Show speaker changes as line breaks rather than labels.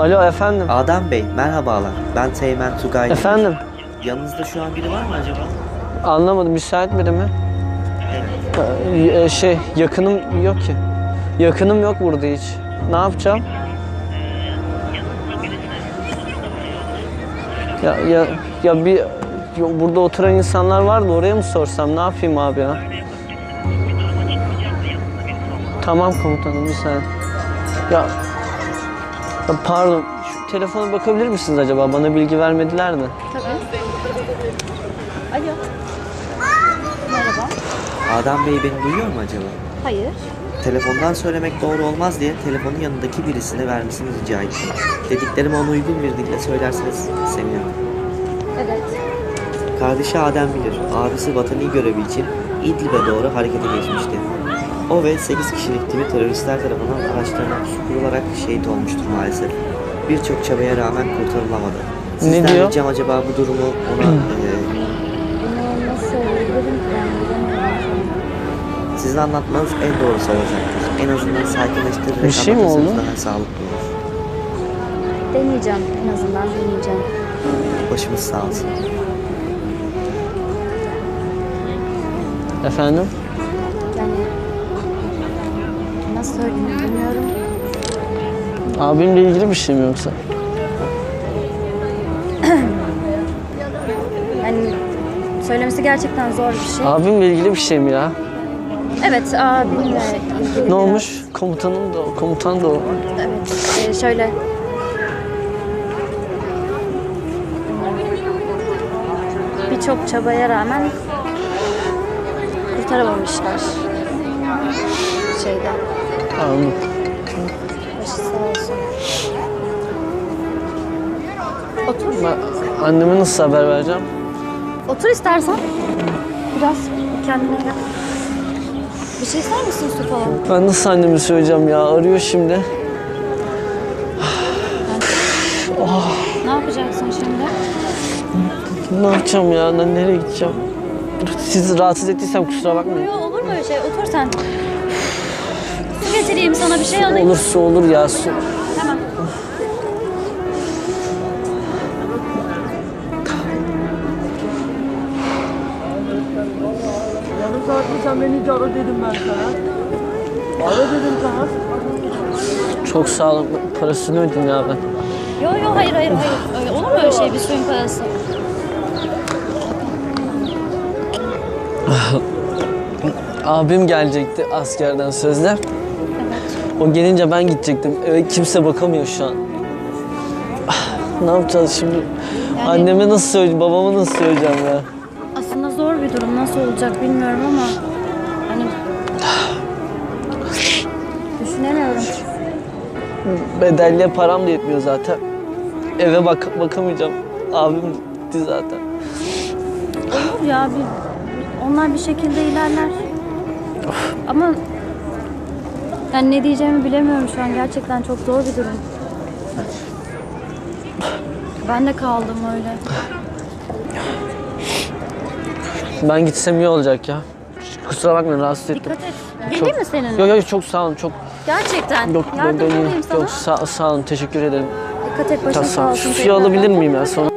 Alo efendim.
Adem Bey, merhabalar. Ben Teğmen Tugay.
Efendim.
Yanınızda şu an biri var mı acaba?
Anlamadım. Müsait biri mi? Yakınım yok ki. Yakınım yok burada hiç. Ne yapacağım? Burada oturan insanlar var da oraya mı sorsam? Ne yapayım abi ya? Tamam komutanım, bir saniye. Ya pardon, şu telefona bakabilir misiniz acaba? Bana bilgi vermediler de.
Tabii. Alo. Merhaba.
Adem Bey beni duyuyor mu acaba?
Hayır.
Telefondan söylemek doğru olmaz diye telefonu yanındaki birisine vermesini rica ettim. Dediklerimi ona uygun bir dille söylerseniz sevinirim.
Evet.
Kardeşi Adem bilir. Abisi vatani görevi için İdlib'e doğru harekete geçmişti. O ve 8 kişilik timi teröristler tarafından araçlarına kurularak şehit olmuştur maalesef. Birçok çabaya rağmen kurtarılamadı. Sizden
diyor?
ricam acaba bu durumu ona
Bunu nasıl söyleyebilirim ki ben bilemiyorum.
sizin anlatmanız en doğrusu olacaktır. En azından sakinleştirerek
Bir şey mi
anlatırsanız
oldu?
daha sağlıklı olur.
Deneyeceğim, en azından deneyeceğim.
Başımız sağ olsun.
Efendim?
Yani nasıl söyleyeyim bilmiyorum.
Abimle ilgili bir şey mi yoksa?
Yani söylemesi gerçekten zor bir şey.
Abimle ilgili bir şey mi ya?
Evet, abimle ilgili
Ne
biraz-
olmuş? Komutan da o.
Evet, şöyle. Birçok çabaya rağmen kurtaramamışlar. Şeyden.
Anladım.
Başı sağ olsun. Otur.
Ben anneme nasıl haber vereceğim?
Otur istersen. Biraz kendine gel. Bir şey ister misin, su falan?
Ben nasıl anneme söyleyeceğim ya? Arıyor şimdi.
Ne yapacaksın şimdi?
Ne yapacağım ya? Ben nereye gideceğim? Sizi rahatsız ettiysem kusura bakmayın.
Yok, olur mu öyle şey? Otur sen. Su getireyim sana, bir şey alayım.
Olursa olur ya. Su.
Hemen.
Yarım saat mi sen beni hiç ara dedim ben sana. Ara dedim sana.
Çok sağ olun. Parasını ödedim ya ben.
Yok hayır. Öyle, olur mu öyle şey, bir suyun parası?
Abim gelecekti askerden sözde.
Evet.
O gelince ben gidecektim. Eve kimse bakamıyor şu an. Ne yapacağız şimdi? Anneme nasıl söyleyeceğim, babama nasıl söyleyeceğim ya?
Aslında zor bir durum. Nasıl olacak bilmiyorum ama hani düşünemiyorum.
Bedelliye param da yetmiyor zaten. Eve bakamayacağım. Abim gitti zaten.
Olur ya, onlar bir şekilde ilerler. Ama yani ne diyeceğimi bilemiyorum şu an. Gerçekten çok zor bir durum. Ben de kaldım öyle.
Ben gitsem iyi olacak ya. Kusura bakmayın, rahatsız ettim.
Dikkat et. Geleyim mi seninle?
Yok çok sağ olun. Çok
Gerçekten.
yok
Yardımcı olayım sana.
Yok sağ olun, teşekkür ederim.
Dikkat et, başın sağ olsun.
Suyu alabilir miyim ya sonra?